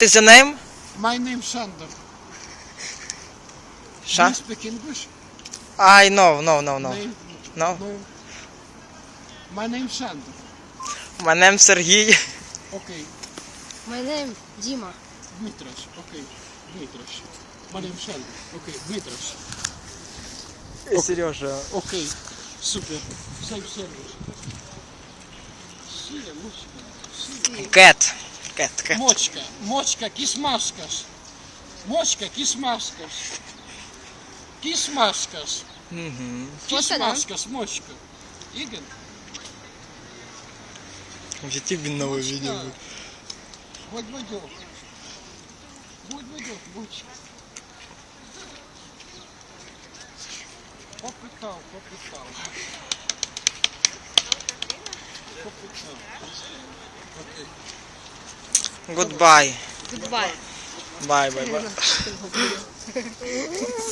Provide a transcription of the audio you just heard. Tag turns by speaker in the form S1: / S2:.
S1: What is your name?
S2: My name Sander. Do
S1: Sha?
S2: you speak English?
S1: I no.
S2: Name?
S1: No.
S2: No. My name Sander.
S1: My name Сергій.
S2: Okay.
S3: My name Дима.
S2: Dmitras. Okay. Dmitras. My name Sander. Okay. Dmitras.
S1: Сережа.
S2: Okay. Super. Same service. Сия, мочка. Сия.
S1: Cat.
S2: Мочка. Мочка. Кисмаскас. Мочка. Кисмаскас. Кисмаскас. Кисмаскас. Мочка. Igen?
S1: В YouTube новое видео.
S2: Вот водёк. Вот водёк, мочка. Попытал. Окей.
S1: Goodbye.
S3: Goodbye.
S1: Bye.